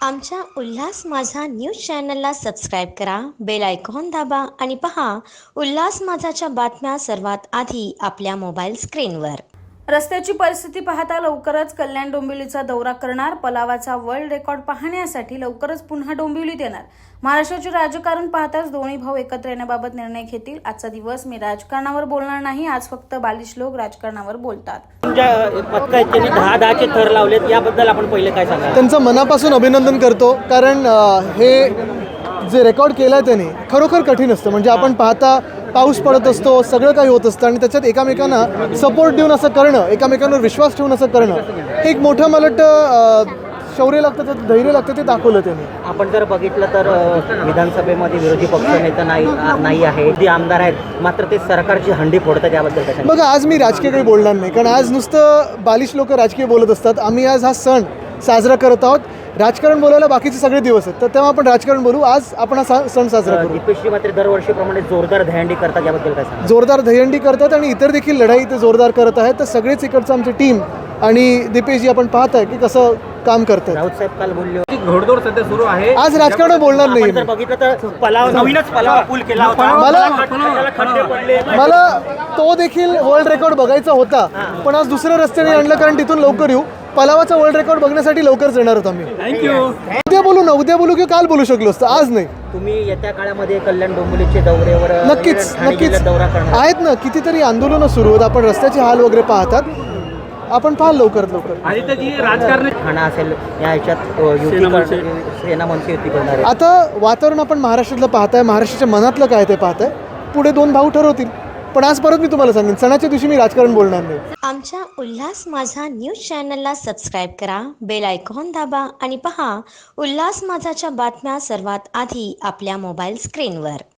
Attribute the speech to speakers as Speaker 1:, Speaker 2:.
Speaker 1: आमच्या उल्हास माझा न्यूज चॅनलला सबस्क्राईब करा, बेल आयकॉन दाबा आणि पहा उल्हास माझाच्या बातम्या सर्वात आधी आपल्या मोबाईल स्क्रीनवर।
Speaker 2: रस्त्याची परिस्थिती पाहता लवकरच कल्याण डोंबिवलीचा दौरा करणार। पलावाचा वर्ल्ड रेकॉर्ड पाहण्यासाठी लवकरच पुन्हा डोंबिवलीत येणार। महाराष्ट्राचे राजकारण पाहताच दोन्ही भाऊ एकत्र येण्याबाबत निर्णय घेतील। आजचा दिवस मी राजकारणावर बोलणार नाही, आज फक्त बालिश लोक राजकारणावर बोलतात।
Speaker 3: त्यांनी 10-10चे थर लावलेत, याबद्दल आपण पहिले काय सांगाल?
Speaker 4: त्यांचं मनापासून अभिनंदन करतो, कारण हे जे रेकॉर्ड केलं आहे त्यांनी खरोखर कठीण असतं। म्हणजे आपण पाहता पाऊस पडत असतो, सगळं काही होत असतं आणि त्याच्यात एकामेकांना सपोर्ट देऊन असं करणं, एकामेकांवर विश्वास ठेवून असं करणं, हे एक मोठं मला वाटतं शौर्य लागतं, त्यात धैर्य लागतं, ते दाखवलं त्यांनी।
Speaker 3: आपण जर बघितलं तर विधानसभेमध्ये विरोधी पक्षनेता नाही आहे, जे आमदार आहेत मात्र ते सरकारची हंडी फोडतात, याबद्दल काय?
Speaker 4: बघा, आज मी राजकीय काही बोलणार नाही, कारण आज नुसतं बालिश लोक राजकीय बोलत असतात। आम्ही आज हा सण साजरा करत आहोत। राजकारण बोलायला बाकीचे सगळे दिवस आहेत, तर तेव्हा आपण राजकारण बोलू। आज आपण हा सण साजरा करू।
Speaker 3: दीपेशजी मात्र दरवर्षीप्रमाणे जोरदार दहीहंडी करतात, याबद्दल काय सांगा?
Speaker 4: जोरदार दहीहंडी करतात आणि इतर देखील लढाई ते जोरदार करत आहेत। तर सगळेच इकडचं आमची टीम आणि दीपेशजी आपण पाहत आहे की कसं काम करतात।
Speaker 3: राऊत साहेब काल बोलले होते,
Speaker 5: घोडदौड सध्या सुरू आहे।
Speaker 4: आज राजकारण बोलणार नाही।
Speaker 3: जर बघितलं तर नवीनच पलाव पूल केला होता, खड्डे पडले।
Speaker 4: मला तो देखील वर्ल्ड रेकॉर्ड बघायचा होता, पण आज दुसऱ्या रस्त्याने आणलं, कारण तिथून लवकर येऊ। पलावाचा वर्ल्ड रेकॉर्ड बघण्यासाठी लवकरच येणार आहोत आम्ही।
Speaker 5: थँक्यू।
Speaker 4: उद्या बोलू किंवा काल बोलू शकलो असतं, आज नाही।
Speaker 3: तुम्ही येत्या काळामध्ये कल्याण डोंबिवलीचे दौऱ्यावर
Speaker 4: नक्कीच
Speaker 3: दौरा करणार
Speaker 4: आहेत ना। कितीतरी आंदोलनं सुरू आहेत, आपण रस्त्याचे हाल वगैरे पाहतात, आपण पाहाल लवकरात लवकर।
Speaker 5: आदित्यजी, राजकारण
Speaker 3: ठाणा असेल या ह्याच्यात सेना मनसे युती करणार आहे।
Speaker 4: आता वातावरण आपण महाराष्ट्रातलं पाहताय, महाराष्ट्राच्या मनातलं काय ते पाहताय, पुढे दोन भाऊ ठरवतील। पण आज परत मी तुम्हाला सांगेन, सणाच्या दिवशी मी राजकारण बोलणार नाही।
Speaker 1: आमच्या उल्हास माझा न्यूज चॅनलला सबस्क्राईब करा, बेल आयकॉन दाबा आणि पहा उल्हास माझाच्या बातम्या सर्वात आधी आपल्या मोबाईल स्क्रीनवर।